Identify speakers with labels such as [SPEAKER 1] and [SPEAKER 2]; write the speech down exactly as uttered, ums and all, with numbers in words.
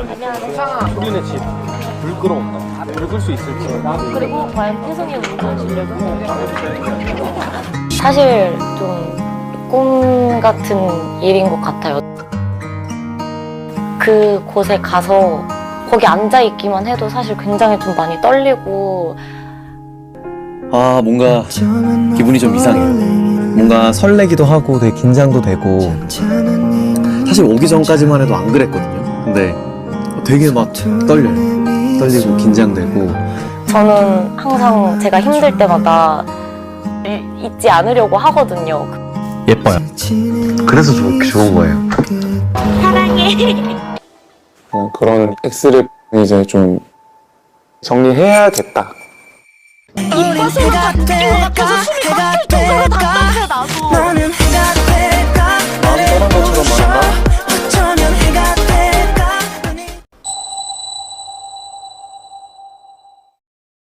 [SPEAKER 1] 소리네 집. 불 끌어온다. 불 끌 수 있을지.
[SPEAKER 2] 그리고 과연 혜성이 운전 실력은? 사실 좀 꿈 같은 일인 것 같아요. 그 곳에 가서 거기 앉아 있기만 해도 사실 굉장히 좀 많이 떨리고.
[SPEAKER 3] 아, 뭔가 기분이 좀 이상해요. 뭔가 설레기도 하고 되게 긴장도 되고. 사실 오기 전까지만 해도 안 그랬거든요. 근데 되게 막 떨려요. 떨리고 긴장되고.
[SPEAKER 2] 저는 항상 제가 힘들 때마다 잊지 않으려고 하거든요.
[SPEAKER 3] 예뻐요. 그래서 좋, 좋은 거예요.
[SPEAKER 2] 사랑해.
[SPEAKER 4] 어, 그런 X를 이제 좀 정리해야겠다.
[SPEAKER 2] 이뻐서 다 느낀 것 같아서 숨이 막힐 정도로 답답해 나도.
[SPEAKER 4] 마음 떠난 것처럼 말한다?